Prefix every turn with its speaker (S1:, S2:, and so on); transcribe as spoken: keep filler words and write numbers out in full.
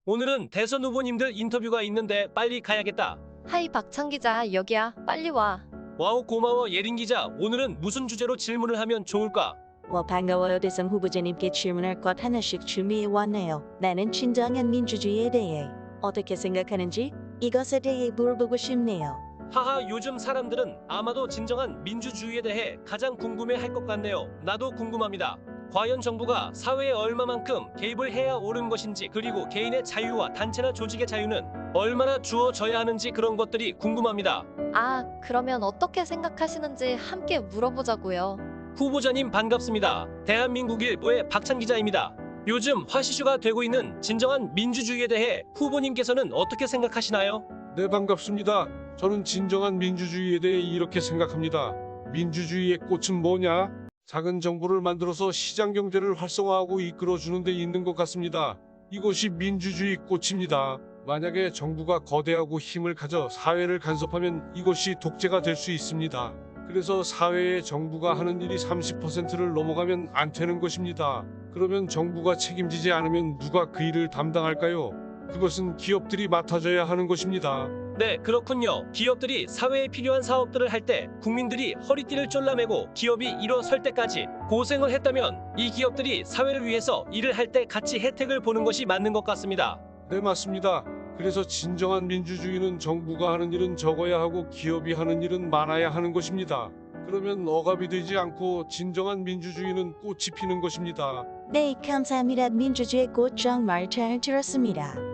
S1: 오늘은 대선 후보님들 인터뷰가 있는데 빨리 가야겠다.
S2: 하이 박찬 기자, 여기야. 빨리 와.
S1: 와우 고마워 예린 기자. 오늘은 무슨 주제로 질문을 하면 좋을까?
S3: 와 반가워요. 대선 후보자님께 질문할 것 하나씩 준비해 왔네요. 나는 진정한 민주주의에 대해 어떻게 생각하는지 이것에 대해 물어보고 싶네요.
S1: 하하 요즘 사람들은 아마도 진정한 민주주의에 대해 가장 궁금해할 것 같네요. 나도 궁금합니다. 과연 정부가 사회에 얼마만큼 개입을 해야 옳은 것인지, 그리고 개인의 자유와 단체나 조직의 자유는 얼마나 주어져야 하는지, 그런 것들이 궁금합니다.
S2: 아, 그러면 어떻게 생각하시는지 함께 물어보자고요.
S1: 후보자님 반갑습니다. 대한민국일보의 박찬 기자입니다. 요즘 화시슈가 되고 있는 진정한 민주주의에 대해 후보님께서는 어떻게 생각하시나요?
S4: 네, 반갑습니다. 저는 진정한 민주주의에 대해 이렇게 생각합니다. 민주주의의 꽃은 뭐냐? 작은 정부를 만들어서 시장 경제를 활성화하고 이끌어주는 데 있는 것 같습니다. 이것이 민주주의 꽃입니다. 만약에 정부가 거대하고 힘을 가져 사회를 간섭하면 이것이 독재가 될 수 있습니다. 그래서 사회에 정부가 하는 일이 삼십 퍼센트를 넘어가면 안 되는 것입니다. 그러면 정부가 책임지지 않으면 누가 그 일을 담당할까요? 그것은 기업들이 맡아줘야 하는 것입니다.
S1: 네, 그렇군요. 기업들이 사회에 필요한 사업들을 할 때 국민들이 허리띠를 졸라매고 기업이 일어설 때까지 고생을 했다면 이 기업들이 사회를 위해서 일을 할 때 같이 혜택을 보는 것이 맞는 것 같습니다.
S4: 네, 맞습니다. 그래서 진정한 민주주의는 정부가 하는 일은 적어야 하고 기업이 하는 일은 많아야 하는 것입니다. 그러면 억압이 되지 않고 진정한 민주주의는 꽃이 피는 것입니다.
S3: 네, 감사합니다. 민주주의 꽃 정말 잘 들었습니다.